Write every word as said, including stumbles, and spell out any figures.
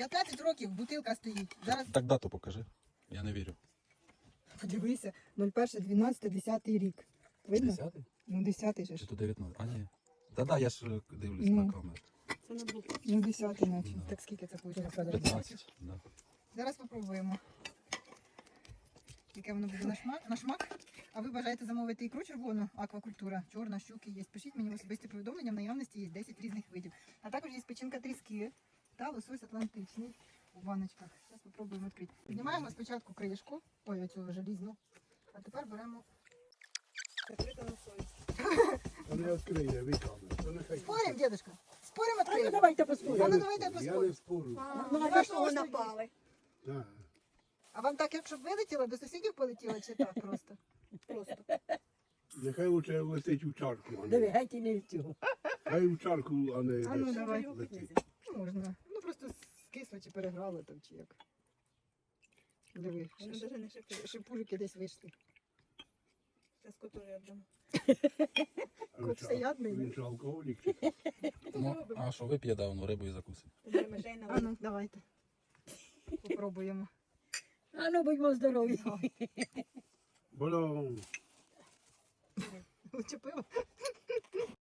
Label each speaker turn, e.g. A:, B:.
A: п'ятнадцять років бутилка стоїть. Зараз
B: Так дату покажи. Я не вірю.
A: подивися, нуль перше дванадцяте десятий рік. Видно?
B: Десятий?
A: Ну, десятий же
B: Чи
A: ж.
B: то дев'ятнадцятий? А ні. Та-да, я ж е, дивлюсь
A: Ну.
B: на камеру.
C: Це не було.
A: Ну, десятий наче.
B: Да.
A: Так скільки це вийшло?
B: п'ятнадцять. Да.
A: Зараз спробуємо. Яке воно буде на шмак, на шмак. А ви бажаєте замовити ікру червону, аквакультура, чорна, щуки є. Пишіть мені в особисті повідомлення, в наявності є десять різних видів. А також є печінка тріски та лосось атлантичний у баночках. Зараз спробуємо відкрити. Піднімаємо спочатку кришку, ой, оцю желізну, а тепер беремо. Закрита лосось.
D: Та не відкриє, віками. Та нехай.
A: Спорим, дедушка? Спорим,
C: А ну
A: відкриємо?
C: давайте
A: А
C: поспоримо.
A: ну давайте
D: Я не
A: поспоримо.
D: спорю.
C: Ну а за що ви напали?
D: Так.
A: А вам так, якщо б вилетіло, до сусідів полетіло чи так просто? Просто.
D: Нехай лучше летить у чарку. а не-
C: Диви, геть і не в цього.
D: Хай у чарку, а не
A: А ну,
D: десь
A: давай.
D: летить.
A: Можна. Ну просто скисло чи переграло там, чи як. Диви,
C: Воно
A: ш-
C: даже не шипить.
A: ш- шипужики десь вийшли.
C: Зараз коту я дам.
D: А
A: Кот
D: він
A: всеядний,
D: Він
A: да?
D: же алкоголік. чи?
B: Ну, а що вип'є давно, рибу і закусить.
C: Тоді мишей на
A: А ну, давайте. Попробуємо.
C: А ну будьмо здорові.
D: Воно
A: Учепило.